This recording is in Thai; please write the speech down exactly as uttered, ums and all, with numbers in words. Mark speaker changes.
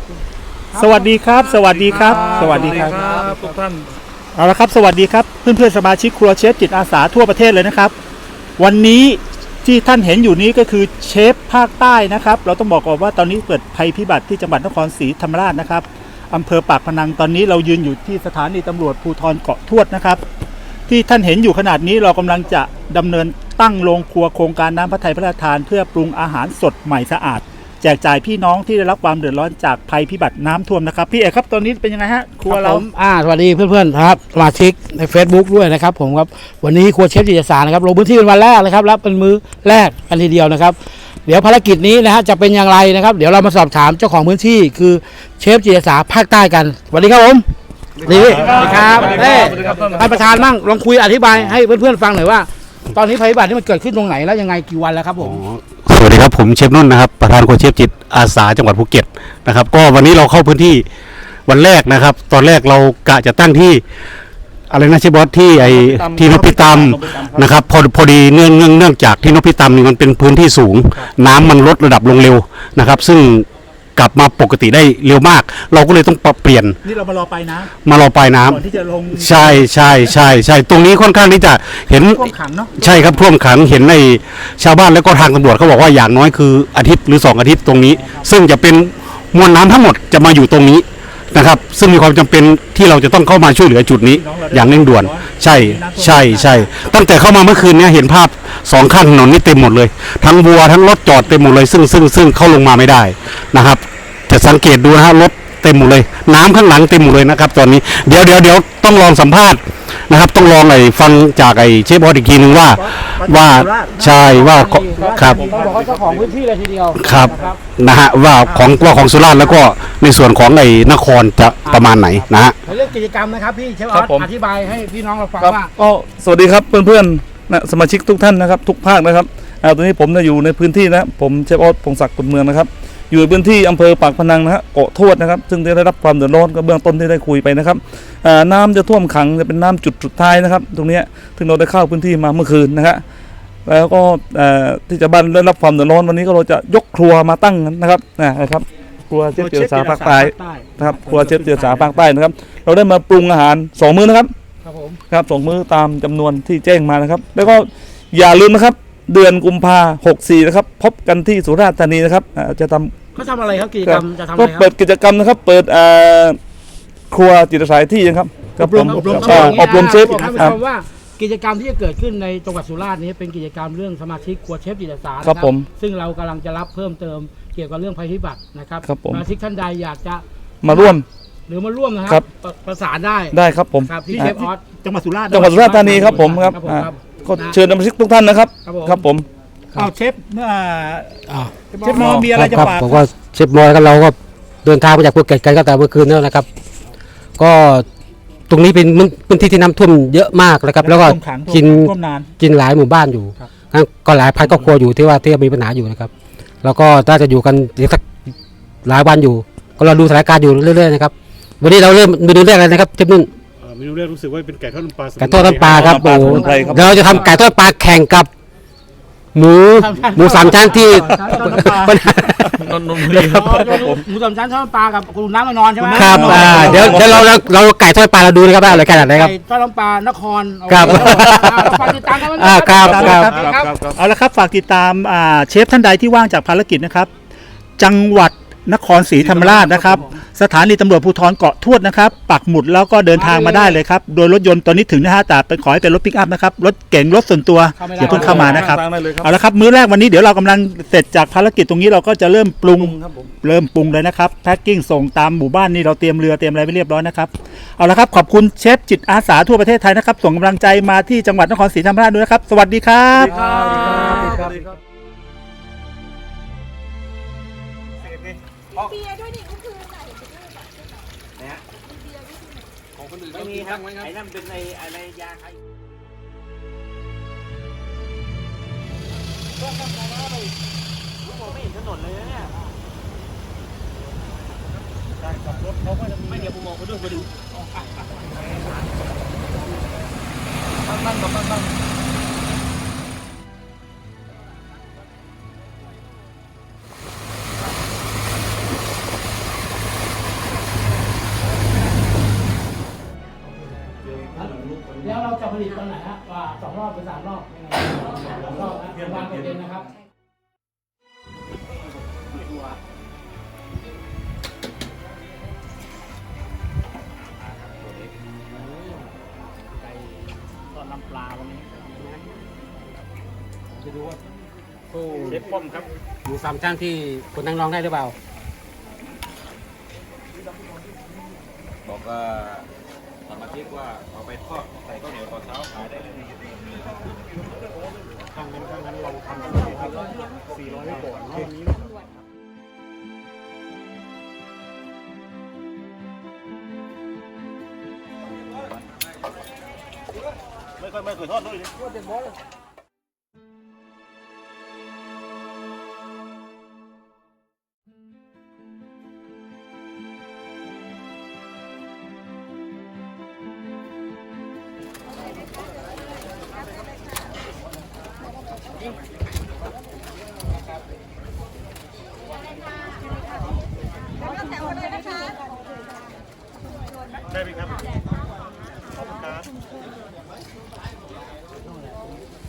Speaker 1: สวัสดีครับสวัสดีครับสวัสดีครับ
Speaker 2: ทุกท่าน
Speaker 1: เอาละครับสวัสดีครับเพื่อนๆสมาชิกครัวเชฟจิตอาสาทั่วประเทศเลยนะครับวันนี้ที่ท่านเห็นอยู่นี้ก็คือเชฟภาคใต้นะครับเราต้องบอกก่อนว่าตอนนี้เกิดภัยพิบัติที่จังหวัดนครศรีธรรมราชนะครับอำเภอปากพนังตอนนี้เรายืนอยู่ที่สถานีตำรวจภูธรเกาะทวดนะครับที่ท่านเห็นอยู่ขนาดนี้เรากำลังจะดำเนินตั้งโรงครัวโครงการน้ำพระทัยพระราชทานเพื่อปรุงอาหารสดใหม่สะอาดแจกจ่ายพี่น้องที่ได้รับความเดือดร้อนจากภัยพิบัติน้ำท่วมนะครับพี่เอกครับตอนนี้เป็นยังไงฮะครัวเรา
Speaker 3: อ่าสวัสดีเพื่อนๆครับสมาชิกใน Facebook ด้วยนะครับผมครับวันนี้ครัวเชฟจิตอาสานะครับลงพื้นที่เป็นวันแรกนะครับรับเป็นมื้อแรกกันทีเดียวนะครับเดี๋ยวภารกิจนี้นะฮะจะเป็นอย่างไรนะครับเดี๋ยวเรามาสอบถามเจ้าของพื้นที่คือเชฟจิตอาสาภาคใต้กันสวัสดีครับผมดีครับเฮ้ท่านประธานมั่งลองคุยอธิบายให้เพื่อนๆฟังหน่อยว่าตอนนี้ภัยพิบัตินี่มันเกิดขึ้นตรงไหนแล้วยังไงกี่วันแล้วครับผม
Speaker 4: สวัสดีครับผมเชฟนุ่นนะครับประธานครัวเชฟจิตอาสาจังหวัดภูเก็ตนะครับก็วันนี้เราเข้าพื้นที่วันแรกนะครับตอนแรกเรากะจะตั้งที่อะไรนะเชฟบอสที่ไอที่นพิตามนะครับพอพอดีเนื่องเนื่องเนื่องจากที่นพิตามนี่มันเป็นพื้นที่สูงน้ำมันลดระดับลงเร็วนะครับซึ่งกลับมาปกติได้เร็วมากเราก็เลยต้องปรับเปลี่ยน
Speaker 1: นี่เรามารอไปน้
Speaker 4: ำมารอปลายน้ำ
Speaker 1: ก่อนที่จะลง
Speaker 4: ใช่ใช่ใช่ใช่ตรงนี้ค่อนข้างที่จะเห็น
Speaker 1: ท่วมขังเนาะ
Speaker 4: ใช่ครับท่วมขังเห็นในชาวบ้านแล้วก็ทางตำรวจเขาบอกว่าอย่างน้อยคืออาทิตย์หรือสองอาทิตย์ตรงนี้ซึ่งจะเป็นมวลน้ำทั้งหมดจะมาอยู่ตรงนี้นะครับซึ่งมีความจำเป็นที่เราจะต้องเข้ามาช่วยเหลือจุดนี้อย่างเร่งด่วนใช่ใช่ใช่ตั้งแต่เข้ามาเมื่อคืนนี้เห็นภาพสองข้างถนนนี่เต็มหมดเลยทั้งวัวทั้งรถจอดเต็มหมดเลยซึ่งซึ่งซึ่งเข้าลงมาไม่ได้นะครับจะสังเกตดูนะฮะรถเต็มหมดเลยน้ำข้างหลังเต็มหมดเลยนะครับตอนนี้เดี๋ยวเดี๋ยวเดี๋ยวต้องลองสัมภาษณ์นะครับต้องลองไอ้ฟังจากไอ้เชฟบอสอีกทีนึงว่าว่าใช่ว่าครับ
Speaker 3: ต้องบอกว่าเจ้าของพื้นที่เลยทีเดียว
Speaker 4: ครับนะฮะว่าของว่าของสุราษฎร์แล้วก็ในส่วนของไอ้นครจะประมาณไหนนะฮะ
Speaker 3: เรื่องกิจกรรมนะครับพี่เชฟออสอธิบายให้พี่น้องเราฟังว่า
Speaker 2: ก็สวัสดีครับเพื่อนๆนะสมาชิกทุกท่านนะครับทุกภาคนะครับตอนนี้ผมอยู่ในพื้นที่นะผมเชฟออสพงศักดิ์กุลเมืองนะครับอยู่ในพื้นที่อำเภอปากพนังนะฮะเกาะทวดนะครับซึ่งได้รับความเดือดร้อนก็เบื้องต้นที่ได้คุยไปนะครับน้ำจะท่วมขังจะเป็นน้ำจุดสุดท้ายนะครับตรงนี้ถึงเราได้เข้าพื้นที่มาเมื่อคืนนะฮะแล้วก็ที่จะบ้านได้รับความเดือดร้อนวันนี้ก็เราจะยกครัวมาตั้งนะครับนะครับครัวเชฟจิตอาสาภาคใต้นะครับครัวเชฟจิตอาสาภาคใต้นะครับเราได้มาปรุงอาหารสองมื้อนะครับ
Speaker 3: ครับผม
Speaker 2: ครับสองมื้อตามจำนวนที่แจ้งมานะครับแล้วก็อย่าลืมนะครับเดือนกุมภาหกสี่นะครับพบกันที่สุราษฎร์ธานีนะครับจะทำ
Speaker 3: เขาทำอะไรครับกิจกรรมจะทำอะไร
Speaker 2: ก็
Speaker 3: ครับ
Speaker 2: เปิดกิจกรรมนะครับเปิดครัวจิตอาสาที่นะครับ
Speaker 1: อบรมอบรม
Speaker 2: อบรมเชฟ
Speaker 3: ท่านผู้ชมว่ากิจกรรมที่จะเกิดขึ้นในจังหวัดสุราษฎร์นี้เป็นกิจกรรมเรื่องสมาชิกครัวเชฟจิตอาสา
Speaker 2: ครับผม
Speaker 3: ซึ่งเรากำลังจะรับเพิ่มเติมเกี่ยวกับเรื่องภัยพิบัตินะครับสมาชิกท่านใดอยากจะ
Speaker 2: มาร่วม
Speaker 3: หรือมาร่วมนะครับประสานได้
Speaker 2: ได้ครับผม
Speaker 3: ที่เชฟออส
Speaker 1: จังหวัดสุราษฎร์
Speaker 2: จังหวัดสุราษฎร์ธานีครับผมครับก็เชิญสมาชิกทุกท่านนะครับครับผม
Speaker 1: เอาเชฟเชฟมอมีอะไรจะฝาก
Speaker 3: ผมก็เชฟมอแล้วเราก็เดินทางมาจากภูเก็ตกันก็แต่เมื่อคืนแล้วนะครับก็ตรงนี้เป็นพื้นที่ที่น้ำท่วมเยอะมากนะครับแล้วก็กินกินหลายหมู่บ้านอยู่ก็หลายพันครอบครัวอยู่ที่ว่าที่มีปัญหาอยู่นะครับแล้วก็น่าจะอยู่กันอีกสักหลายวันอยู่ก็เราดูสถานการณ์อยู่เรื่อยๆนะครับวันนี้เราเริ่มเมนูแรกเลยนะครับเชฟนุ่น
Speaker 4: เมนูแรกรู้สึกว่าเป็นไก่ทอดน้ำปลา
Speaker 3: ไก่ทอดน้ำปลาครับโอ้เราจะทำไก่ทอดปลาแข่งกับหมูหมูสามชั้นที่หมูสามชั้นทอดปลากับคุณน้ำมานอนใช่ไหมครับเดี๋ยวเดี๋ยวเราเราไก่ทอดปลาเราดูนะครับว่าอะไรขนาดไหนครับไก่ทอดน้ำปลานคร
Speaker 1: ครับฝากติดตามกันนะครับเอาละครับฝากติดตามเชฟท่านใดที่ว่างจากภารกิจนะครับจังหวัดนครศรีธรรมราชนะครับสถานีตำรวจภูธรเกาะทวดนะครับปักหมุดแล้วก็เดินทางมาได้เลยครับโดยรถยนต์ตอนนี้ถึงนะฮะแต่เป็นขอให้เป็นรถปิกอัพนะครับรถเก๋งรถส่วนตัวอย่าเพิ่งเข้ามานะครับเอาละครับมื้อแรกวันนี้เดี๋ยวเรากำลังเสร็จจากภารกิจตรงนี้เราก็จะเริ่มปรุงเริ่มปรุงเลยนะครับแพ็คกิ้งส่งตามหมู่บ้านนี่เราเตรียมเรือเตรียมอะไรไว้เรียบร้อยนะครับเอาละครับขอบคุณเชฟจิตอาสาทั่วประเทศไทยนะครับส่งกำลังใจมาที่จังหวัดนครศรีธรรมราชด้วยนะครับสวัสดีครับ
Speaker 5: เบียร์ด้วยนี่ก็คือไหนนะฮะของคนอื่นไม่มีครับไอ้นั่นเป็นในอะไรยาใครก็ทำมาแล้วไปผมไม่เห็นถนนเลยนะเนี่ยการขับรถเขาก็จะไม่เดี๋ยวผมมองเขาด้วยมาดูตั้งตั้งตั้งตั้ง
Speaker 3: ผลิตตอนไหนฮะว่าสองรอบหรือสามรอบยังไงสองรอบนะเดือนวันเดือนนะครับตอนน้ำปลาวันนี้จะดูว่าเชฟป้อมครับ
Speaker 6: หมูสามชั้นที่คนนั่งร้องได้หรือเปล่า
Speaker 7: บอกว่าสมาชิกว่าเอาไปทอดใส่ข้าวเหนียวตอนเช้าขายได้เลย
Speaker 6: ข้างนั้นข้างนั้นเราทำกันสี่ร้อยไว้ก่อนเนาะนี้
Speaker 7: ไม่ค่อยไม่เคยทอดด้วยเลย
Speaker 6: ได้ไหมครับ ขอบคุณครับ